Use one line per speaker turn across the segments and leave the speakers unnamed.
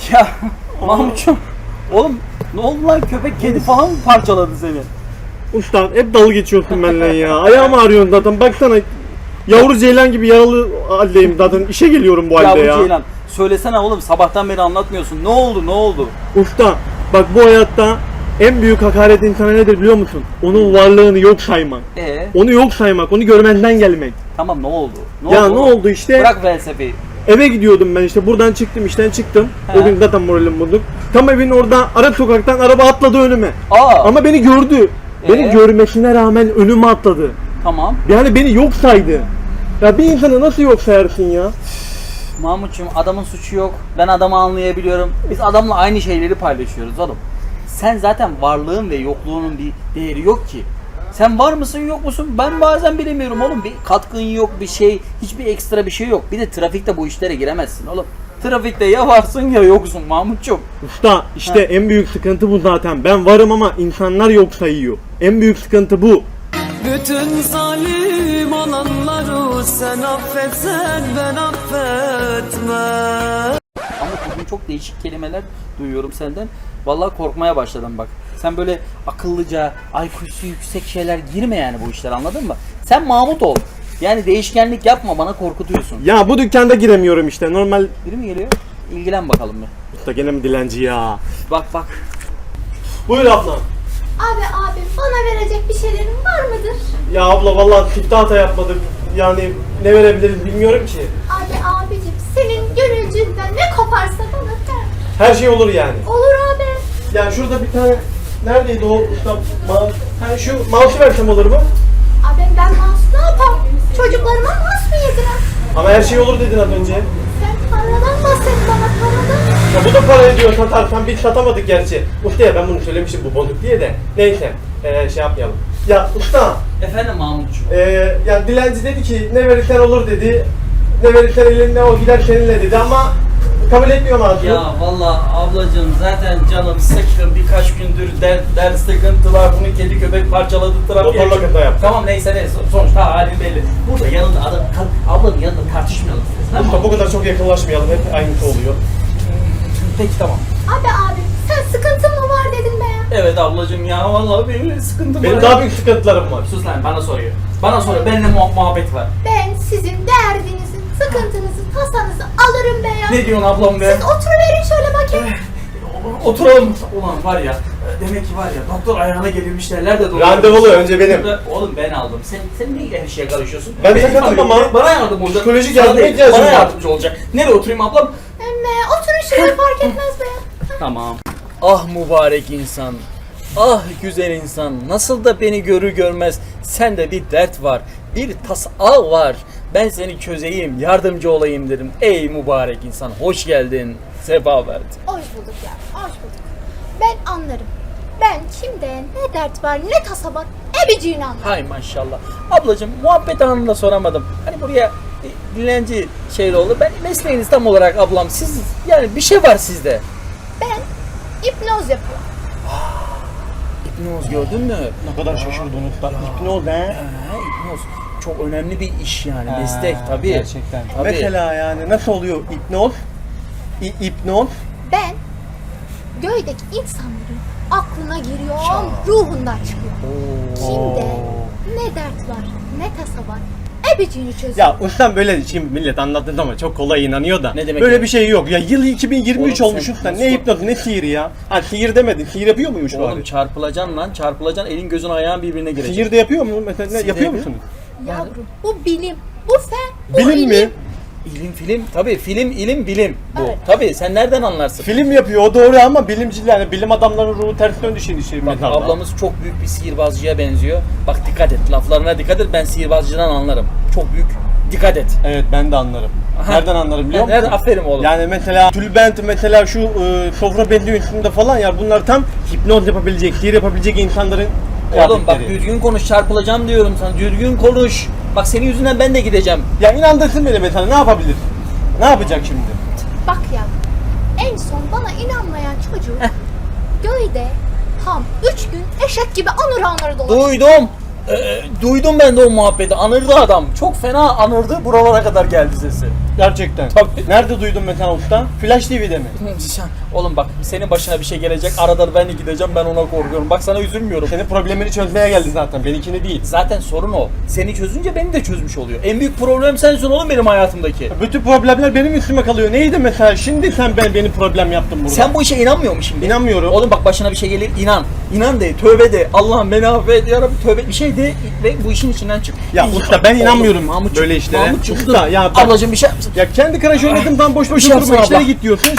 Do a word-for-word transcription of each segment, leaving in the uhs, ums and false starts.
Ya Mahmut'cum, oğlum ne oldu lan, köpek kedi falan mı parçaladı seni?
Usta hep dalga geçiyorsun benimle ya. Ayağım ağrıyor zaten. Baksana yavru ceylan gibi yaralı haldeyim zaten. İşe geliyorum bu halde
Ya
ya.
bu Ceylan, söylesene oğlum, sabahtan beri anlatmıyorsun. Ne oldu ne oldu?
Usta bak, bu hayatta en büyük hakaret insana nedir biliyor musun? Onun varlığını yok saymak.
Ee,
Onu yok saymak, onu görmenden gelmek.
tamam ne oldu? Ne
Ya
oldu
ne
oğlum?
oldu işte?
Bırak felsefeyi.
Eve gidiyordum ben işte, buradan çıktım, işten çıktım.
He.
O gün zaten moralim bozuk. Tam evin orada ara sokaktan araba atladı önüme.
Aa,
Ama beni gördü. Beni
Ee?
görmesine rağmen önüme atladı.
tamam.
Yani beni yok saydı. Ya bir insanı nasıl yok sayarsın ya?
Mahmut'cum, adamın suçu yok. Ben adamı anlayabiliyorum. Biz adamla aynı şeyleri paylaşıyoruz oğlum. Sen zaten varlığın ve yokluğunun bir değeri yok ki. Sen var mısın yok musun? Ben bazen bilemiyorum oğlum. Bir katkın yok, bir şey, hiçbir ekstra bir şey yok. Bir de trafikte bu işlere giremezsin oğlum. Trafikte ya varsın ya yoksun Mahmut'cum.
Usta işte
Ha.
en büyük sıkıntı bu zaten. Ben varım ama insanlar yok sayıyor. En büyük sıkıntı bu.
Bütün zalim olanları sen affetsen ben affetmem.
Ama bugün çok değişik kelimeler duyuyorum senden. Vallahi korkmaya başladım bak. Sen böyle akıllıca, I Q'su yüksek şeyler girme yani bu işler, anladın mı? Sen Mahmut ol. Yani değişkenlik yapma, bana korkutuyorsun.
Ya bu dükkanda giremiyorum işte. Normal.
Biri mi geliyor? İlgilen bakalım bir.
Usta gene mi dilenci ya?
Bak bak.
Buyur abla.
Abi abi bana verecek bir şeylerin var mıdır?
Ya abla vallahi tipte hata yapmadık. Yani ne verebiliriz bilmiyorum ki.
Abi abicim senin gönülcünden ne koparsa bana ver.
Her şey olur yani.
Olur abi.
Yani şurada bir tane, neredeydi o usta mouse? Ha, şu mouse'u versem olur mu?
Abi ben mouse ne yapayım? Çocuklarıma mouse mu yedirem?
Ama her şey olur dedin az önce.
Sen paradan bahset bana, paradan.
Ya bu da para ediyor, satarsan biz satamadık gerçi. Ustaya ben bunu söylemiştim bu bozuk diye de. Neyse ee, şey yapmayalım. Ya usta,
Efendim Mahmutcuğum.
ee, yani dilenci dedi ki ne verirsen olur dedi. Ne verirsen elinde o gider seninle dedi ama kabul etmiyor ağzı.
Ya vallahi ablacığım, zaten canım sıkkın, birkaç gündür dert, dert sıkıntı var. Bunu kedi köpek parçaladı, trafiğe.
Motorla kaza yaptı.
Tamam neyse neyse, sonuçta halin belli. Burada yanında adam, ablanın yanında tartışmayalım. Tamam mı?
Usta bu kadar çok yakınlaşmayalım, hep aynısı oluyor.
Peki tamam.
Abi abi sen sıkıntın mı var dedin be ya.
Evet ablacığım ya, vallahi benim sıkıntım
Benim
var.
daha büyük sıkıntılarım var.
Sus lan, bana soruyor. Bana soruyor, benimle muha- muhabbet var.
Ben sizin derdinizi, sıkıntınızı, tasanızı alırım be ya.
Ne diyorsun ablam be?
Siz oturuverin şöyle bakayım.
Oturalım. Ulan var ya, demek ki var ya, doktor ayağına gelirmiş derler de doğru.
Randevulu önce benim.
Oğlum ben aldım. Sen sen niye her şeye karışıyorsun?
Ben
Benim
sakatım
tabii,
ama
bana yardım olacak.
psikolojik
Sana
yardıma
değil,
ihtiyacım
bana
var.
yardımcı olacak. Nereye oturayım ablam?
Emme oturun şuraya, fark etmez be ya.
Tamam. Ah mübarek insan. Ah güzel insan. Nasıl da beni görür görmez sende bir dert var. Bir tasa var. Ben seni çözeyim, yardımcı olayım dedim. Ey mübarek insan, hoş geldin. Sefa verdin.
Hoş bulduk ya, hoş bulduk. Ben anlarım. Ben kimde ne dert var, ne tasa var, ebeciğini anlarım.
Hay maşallah. Ablacığım muhabbet anında soramadım. Hani buraya bir dilenci şeyle oldu. Ben mesleğiniz tam olarak ablam. Siz yani bir şey var sizde.
Ben hipnoz yapıyorum.
İpnoz gördün mü?
Ne kadar şaşırdın usta. Hipnoz he?
Ha, hipnoz. Çok önemli bir iş yani. Meslek tabii.
Gerçekten.
Tabii.
Mesela yani nasıl oluyor hipnoz? İ- hipnoz?
Ben göydeki insanların aklına giriyorum, ruhundan çıkıyor. Kimde ne dert var, ne tasa var, ebeciğini çözüyor.
Ya ustam böyle şimdi millet anlattı ama çok kolay inanıyor da.
Ne demek
böyle
yani?
bir şey yok. Ya yıl iki bin yirmi üç
Oğlum
olmuş
sen
usta.
nasıl-
Ne hipnoz ne sihiri ya? Ha sihir demedin. Sihir yapıyor muymuş
Oğlum
bari?
çarpılacaksın lan, çarpılacaksın, elin gözün ayağın birbirine girecek.
Sihir de yapıyor mu? Mesela ne,
Sihir
yapıyor
yapıyor.
musunuz?
Yavrum, bu bilim, bu fen, bu
Bilim
ilim.
mi?
İlim film, tabii film, ilim, bilim bu.
Evet.
Tabii sen nereden anlarsın?
Film yapıyor o doğru ama bilimciler, yani bilim adamlarının ruhu ters döndü şimdi şey
Bak
metalda.
ablamız çok büyük bir sihirbazcıya benziyor. Bak dikkat et, laflarına dikkat et, ben sihirbazcıdan anlarım. Çok büyük, dikkat et.
Evet ben de anlarım.
Aha.
Nereden anlarım biliyor musun?
Nereden? Aferin oğlum.
Yani mesela tülbent, mesela şu e, sofra belli üstünde falan ya bunlar tam hipnoz yapabilecek, sihir yapabilecek insanların
Oğlum bak
kıyafetleri.
düzgün konuş, çarpılacağım diyorum sana, düzgün konuş. Bak senin yüzünden ben de gideceğim.
Ya inandırsın beni mesela, ne yapabilir? Ne yapacak şimdi?
Bak ya, en son bana inanmayan çocuğu göyde tam üç gün eşek gibi anır anır dolaştı.
Duydum. Ee, duydum ben de o muhabbeti. Anırdı adam. Çok fena anırdı. Buralara kadar geldi sesi.
Gerçekten.
Tabii.
Nerede duydun Metehan Usta? Flash T V'de mi?
Oğlum bak senin başına bir şey gelecek. Arada ben de gideceğim, ben ona korkuyorum. Bak sana üzülmüyorum.
Senin problemini çözmeye geldi zaten. Benimkini değil.
Zaten sorun o. Seni çözünce beni de çözmüş oluyor. En büyük problem sensin oğlum benim hayatımdaki.
Bütün problemler benim üstüme kalıyor. Neydi mesela? Şimdi sen ben beni problem yaptın burada.
Sen bu işe inanmıyor musun şimdi?
İnanmıyorum.
Oğlum bak başına bir şey gelir, inan. İnan de, tövbe de. Allah'ım beni affet ya Rabbi, tövbe bir şey de ve bu işin içinden çık.
Ya
İyi.
usta ben
Oğlum,
inanmıyorum
Mahmutcuğum,
böyle işlere.
Mahmutcuğum,
Usta
dur.
ya bak-
Ablacığım bir şey yapsın.
Ya kendi karaş oynadım tam boş
Bir
boş
şey
oturma
yapsana
işlere
abla.
git diyorsun.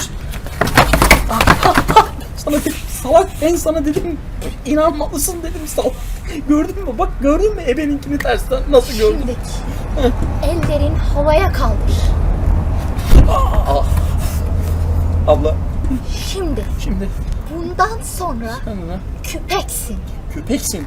Sana dedim, salak ben sana dedim, inanmalısın dedim salak. Gördün mü? Bak gördün mü ebeninkini tersten nasıl gördün?
Şimdiki ellerin havaya kaldır.
Aa, abla
Şimdi
şimdi
bundan sonra
sen ne?
küpeksin.
Köpeksin.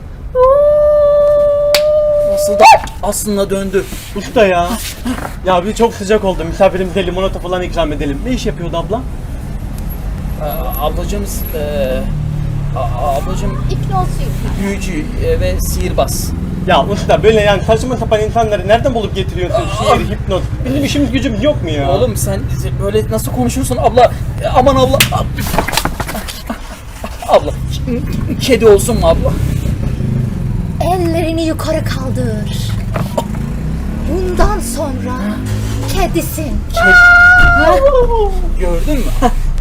Nasıl da aslında döndü.
Usta ya. Ya bir çok sıcak oldu. Misafirimize limonata falan ikram edelim. Ne iş yapıyordu abla?
Aa, ablacığımız eee a- ablacığım
İpnozcuyum.
büyücü e, ve sihirbaz.
Ya usta böyle yani saçma sapan insanları nereden bulup getiriyorsun? Şiir, hipnoz. Bizim işimiz gücümüz yok mu ya?
Oğlum sen böyle nasıl konuşuyorsun abla? E, Aman abla. Abla. Kedi olsun mu abla?
Ellerini yukarı kaldır. Bundan sonra kedisin.
Gördün mü?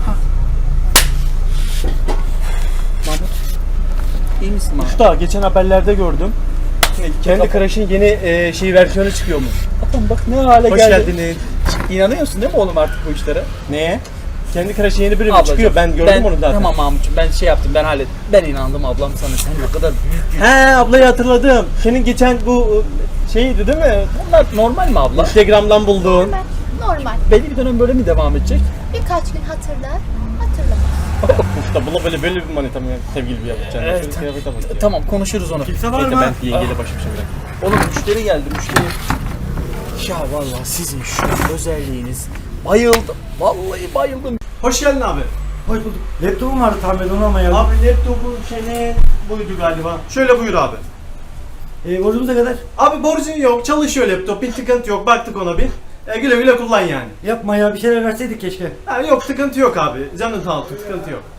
Mahmut. İyi misin Mahmut?
Usta geçen haberlerde gördüm. Kendi Crush'ın yeni e, şey versiyonu çıkıyor mu?
Tamam bak ne hale
Hoş
geldi.
geldiniz.
İnanıyorsun değil mi oğlum artık bu işlere?
Neye? Kendi Crush'ın yeni bölümü
Ablacığım,
çıkıyor. Ben gördüm onu zaten.
Tamam Mahmut'cum ben şey yaptım ben hallettim. Ben inandım ablam sana sen ne kadar büyük bir...
He ablayı hatırladım. Senin geçen bu şeydi değil mi?
Bunlar normal mi abla?
Instagram'dan bulduğun.
Normal. Normal.
Belli bir dönem böyle mi devam edecek?
Birkaç gün hatırlar, hatırlamaz.
Usta buna böyle böyle bir manita mı sevgili bir yapacaksın?
Evet.
Şöyle kıyafete bak ya.
Tamam konuşuruz onu.
Kimse var
Bekle,
mı?
ben yengeyle baş başa bırak. Oğlum müşteri geldi müşteri. Ya vallahi sizin şu özelliğiniz bayıldım. Vallahi bayıldım.
Hoş geldin abi.
Hoş bulduk. Laptopum vardı tahmin onu ama ya.
Abi laptopun senin buydu galiba. Şöyle buyur abi.
E, borcumuz ne kadar?
Abi borcun yok, çalışıyor laptop, bir sıkıntı yok. Baktık ona bir. E, güle güle kullan yani.
Yapma ya, bir şeyler verseydik keşke.
Ha, yok sıkıntı yok abi. Canın sağ olsun, sıkıntı yok.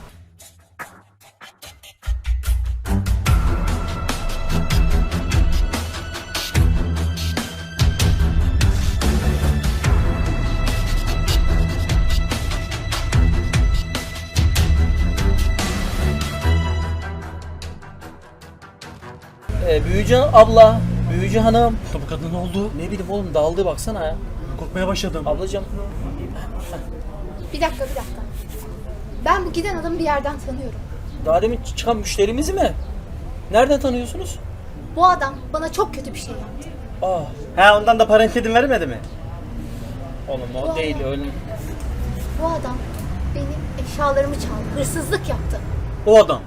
Ee, büyücü abla, büyücü hanım.
Bu kadın ne oldu?
Ne bileyim oğlum daldı baksana ya.
Korkmaya başladım.
Ablacığım.
Bir dakika, bir dakika. Ben bu giden adamı bir yerden tanıyorum.
Daha demin çıkan müşterimizi mi? Nereden tanıyorsunuz?
Bu adam bana çok kötü bir şey yaptı.
Aa,
He ondan da parantedim vermedi mi?
oğlum o değil öyle.
Bu adam benim eşyalarımı çaldı, hırsızlık yaptı.
O adam.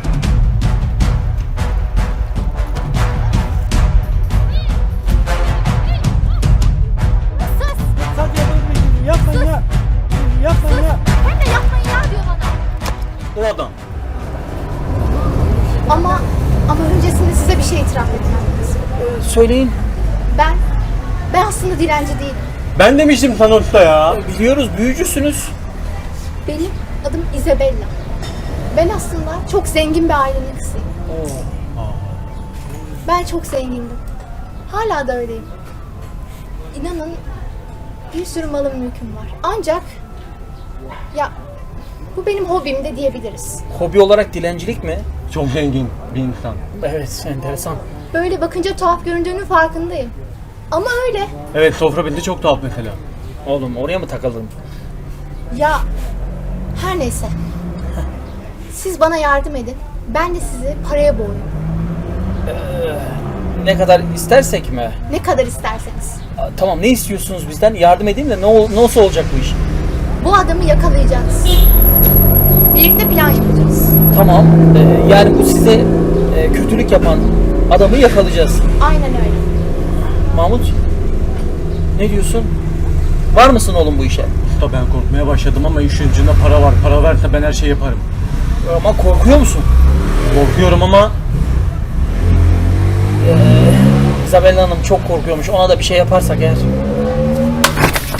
Sus!
Sadece yapmayın ya. Yapmayın ya.
Hem de yapmayın ya diyor bana.
O adam.
Ama, ama öncesinde size bir şey itiraf etmem lazım.
Ee, söyleyin.
Ben, ben aslında dilenci değilim.
Ben demiştim sana usta ya.
Biliyoruz büyücüsünüz.
Benim adım Isabella. Ben aslında çok zengin bir ailenin kızıyım. Ben çok zengindim. Hala da öyleyim. İnanın bir sürü malım mülküm var. Ancak ya bu benim hobim de diyebiliriz.
Hobi olarak dilencilik mi?
Çok zengin bir insan.
Evet, enteresan.
Böyle bakınca tuhaf göründüğünün farkındayım. Ama öyle.
Evet sofra bindi çok tuhaf mesela.
Oğlum oraya mı takıldın?
Ya her neyse. Siz bana yardım edin. Ben de sizi paraya boğayım.
Ne kadar istersek mi?
Ne kadar isterseniz.
Aa, tamam ne istiyorsunuz bizden? Yardım edeyim de ne ol- nasıl olacak bu iş?
Bu adamı yakalayacağız. Birlikte plan yapacağız.
Tamam. Ee, yani bu size e, kötülük yapan adamı yakalayacağız.
Aynen öyle.
Mahmut ne diyorsun? Var mısın oğlum bu işe?
Usta ben korkmaya başladım ama işin ucunda para var. Para verse ben her şeyi yaparım.
Ama korkuyor musun?
Korkuyorum ama
Isabella Hanım çok korkuyormuş. Ona da bir şey yaparsak eğer.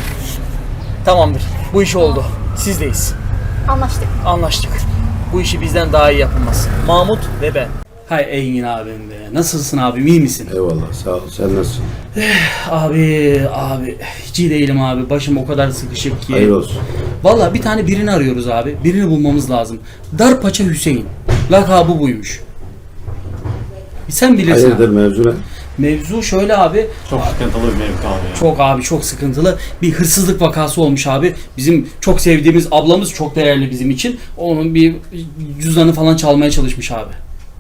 Tamamdır. Bu iş oldu. Sizdeyiz.
Anlaştık.
Anlaştık. Bu işi bizden daha iyi yapılmaz. Mahmut ve ben. Hay Engin abim be. Nasılsın abim, iyi misin?
Eyvallah sağ ol. Sen nasılsın?
Abi, abi. Hiç iyi değilim abi. Başım o kadar sıkışık ki.
Hayır olsun.
Vallahi bir tane birini arıyoruz abi. Birini bulmamız lazım. Darpaça Hüseyin. Lakabı buymuş. Sen bilirsin
Hayırdır
abi.
mevzu ne?
Mevzu şöyle abi.
Çok sıkıntılı bir mevki abi ya.
Çok abi çok sıkıntılı. Bir hırsızlık vakası olmuş abi. Bizim çok sevdiğimiz ablamız, çok değerli bizim için. Onun bir cüzdanı falan çalmaya çalışmış abi.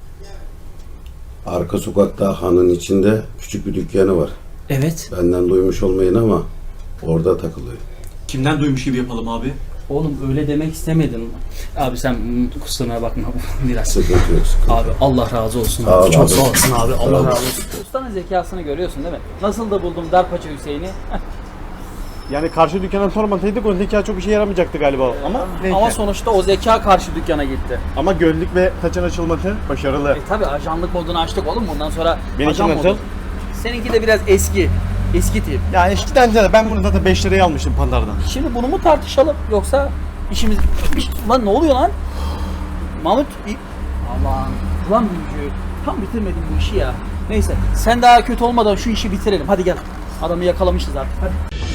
Arka sokakta hanın içinde küçük bir dükkanı var.
Evet.
Benden duymuş olmayın ama orada takılıyor.
Kimden duymuş gibi yapalım abi?
Oğlum öyle demek istemedim. Abi sen mm, kusuruna bakma biraz.
Sıkıntı yok sıkıntı.
Abi Allah razı olsun
Sağ
abi.
ol
Çok
abi.
sağ olasın abi.
Sağ
Allah
ol.
razı olsun. Ustanın zekasını görüyorsun değil mi? Nasıl da buldum Darpaça Hüseyin'i.
Yani karşı dükkana sormasaydık o zeka çok işe yaramayacaktı galiba. Ama neyse.
Ama sonuçta o zeka karşı dükkana gitti.
Ama gözlük ve saçın açılması başarılı.
E tabi ajanlık modunu açtık oğlum, bundan sonra
Benimki
ajan
nasıl?
modu. Seninki de biraz eski. Eski tip.
Yani eskiden de ben bunu zaten beş liraya almıştım Pandar'dan.
Şimdi bunu mu tartışalım yoksa işimiz... Bir- Lan ne oluyor lan? Mahmut... bir- Aman... Lan büyücü. Tam bitirmedim bu işi ya. Neyse sen daha kötü olmadan şu işi bitirelim. Hadi gel. Adamı yakalamışız artık. Hadi.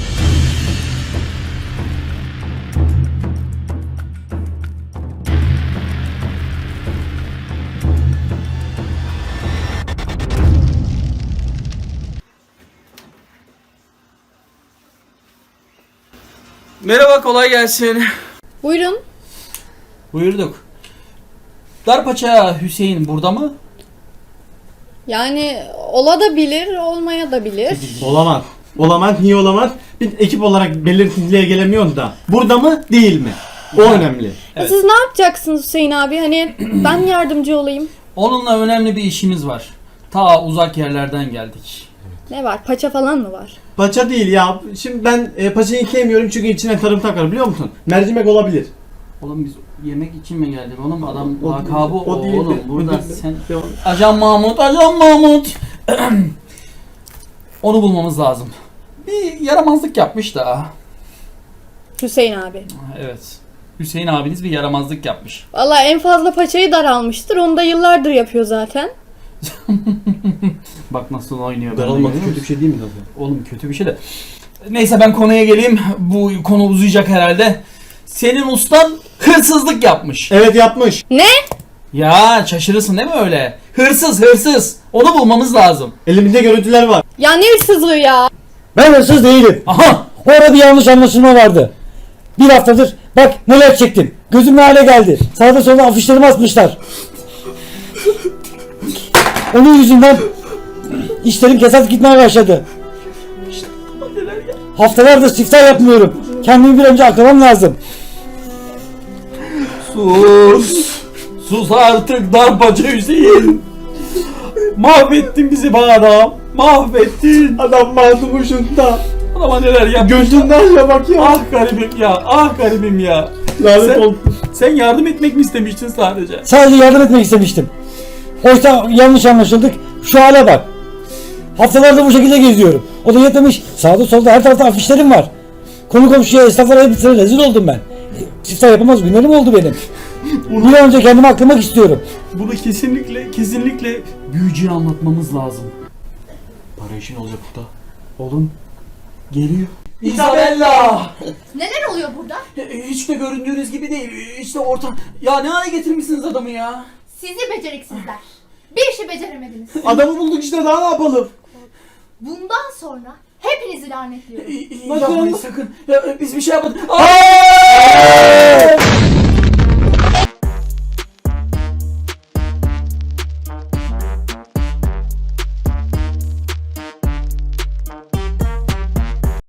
Merhaba, kolay gelsin.
Buyurun.
Buyurduk. Darpaça Hüseyin burada mı?
Yani ola da bilir, olmaya da bilir.
Olamaz. Olamaz. Niye olamaz? Biz ekip olarak belirsizliğe gelemiyoruz da. Burada mı değil mi? O önemli.
Evet.
Siz ne yapacaksınız Hüseyin abi? Hani ben yardımcı olayım.
Onunla önemli bir işimiz var. Ta uzak yerlerden geldik.
Ne var? Paça falan mı var?
Paça değil ya. Şimdi ben e, paçayı sevmiyorum çünkü içine tarım takar biliyor musun? Mercimek olabilir.
Oğlum biz yemek için mi geldik oğlum? Adam
O-
lakabı o,
o değil de-
oğlum. Burada
özür
sen...
Devam.
Ajan Mahmut, Ajan Mahmut. Onu bulmamız lazım. Bir yaramazlık yapmış da.
Hüseyin abi.
Evet. Hüseyin abiniz bir yaramazlık yapmış.
Vallahi en fazla paçayı daralmıştır. Onu da yıllardır yapıyor zaten.
Bak nasıl oynuyor.
Daralmak
benimle,
kötü bir şey değil mi tabii?
Oğlum kötü bir şey de. Neyse ben konuya geleyim. Bu konu uzayacak herhalde. Senin ustan hırsızlık yapmış.
Evet yapmış.
Ne?
Ya şaşırırsın değil mi öyle? Hırsız hırsız. Onu bulmamız lazım.
Elimizde görüntüler var.
Ya ne hırsızlığı ya?
Ben hırsız değilim.
Aha.
Orada bir yanlış anlaşılma vardı. Bir haftadır bak neler çektim. Gözüm ne hale geldi. Sağda solda afişlerimi asmışlar. Onun yüzünden işlerim kesat gitmeye başladı. Haftalardır siftah yapmıyorum. Kendimi bir önce aklamam lazım.
Sus. Sus artık Darpaça Hüseyin. Mahvettin bizi be adam. Mahvettin.
Adam mazlum ucunda.
Adama neler yapmış.
Gözünden ya bak ya.
Ah garibim ya. Ah garibim ya.
Lanet
Sen-
olsun.
Sen yardım etmek mi istemiştin sadece?
Sadece yardım etmek istemiştim. Oysa yanlış anlaşıldık. Şu hale bak. Haftalardır bu şekilde geziyorum. O da yetmemiş. Sağda solda her tarafta afişlerim var. Konu komşuya, esnaflara hepsine rezil oldum ben. Siftah yapamaz günlerim oldu benim. Bir an önce kendimi aklamak istiyorum.
Bunu kesinlikle kesinlikle büyücüye anlatmamız lazım.
Para işin olacak burada.
Oğlum geliyor. Isabella!
Neler oluyor burada?
Hiç de göründüğünüz gibi değil. Hiç de orta... Ya ne hale getirmişsiniz adamı ya?
Sizi beceriksizler. Bir işi beceremediniz.
Adamı bulduk işte daha ne yapalım?
Bundan sonra hepinizi lanetliyorum.
Yapmayın sakın. Ya, biz bir şey yapmadık. Aa!